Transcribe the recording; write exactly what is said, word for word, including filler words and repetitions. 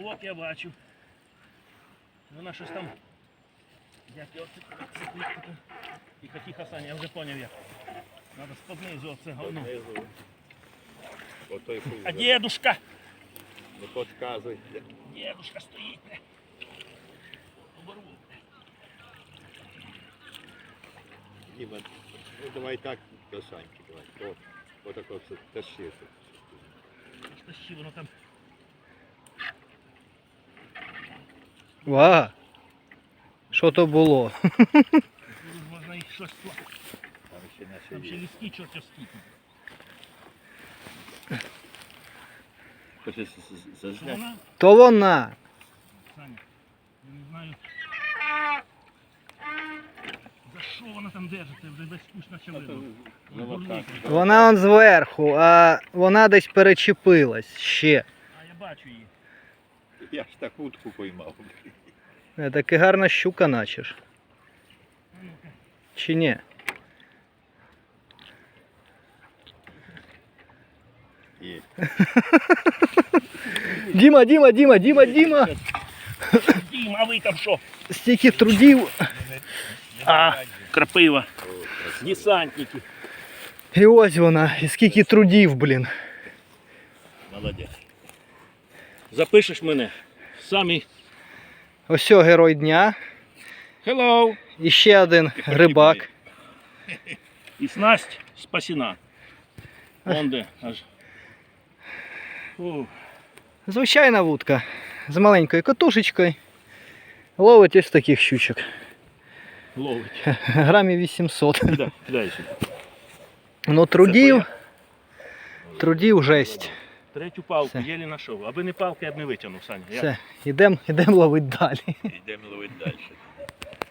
Поплавок я бачив. Вона щось там. Як його цепити. Тихо, тихо, Саня, я вже поняв як. Надо споднизу оце говно. А дедушка? Не підказуй. Дедушка стоїть. Оборву. Діма, ну давай так до Саньки, давай. То, отако все тащи. Тащи, воно там. Ва! Що то було? Можна їх щось плакати. Там ще наші Там ще є. ліски чорт скільки. Хочеш Що зазняти? вона? То вона. Саня, я не знаю. За що вона там держиться? Вже весь кусь наче видно. Молока. Вона он зверху, а вона десь перечепилась ще. А я бачу її. Я ж так утку поймав. Е, Таки гарна щука начеш. А ну-ка. Чи ні? Є. Діма, Діма, Діма, Діма, Діма! Дім, а ви там що? Стільки трудів. А, крапива. Десантники. І ось вона. І скільки трудів, блін. Молодець. Запишеш мене. Самі. Ось о, герой дня. Hello. І ще один рибак. І снасть спасена. Вон де аж. Фу. Звичайна вудка. З маленькою катушечкою. Ловить ось таких щучок. Ловить. Грамів вісімсот. Кидай, кидай сюди. Ну трудів. Трудів жесть. Третю палку Все. єлі знайшов. Аби не палка, я б не витягнув, Саня. Я- Все, ідемо ідем ловити далі. Йдемо ловити далі.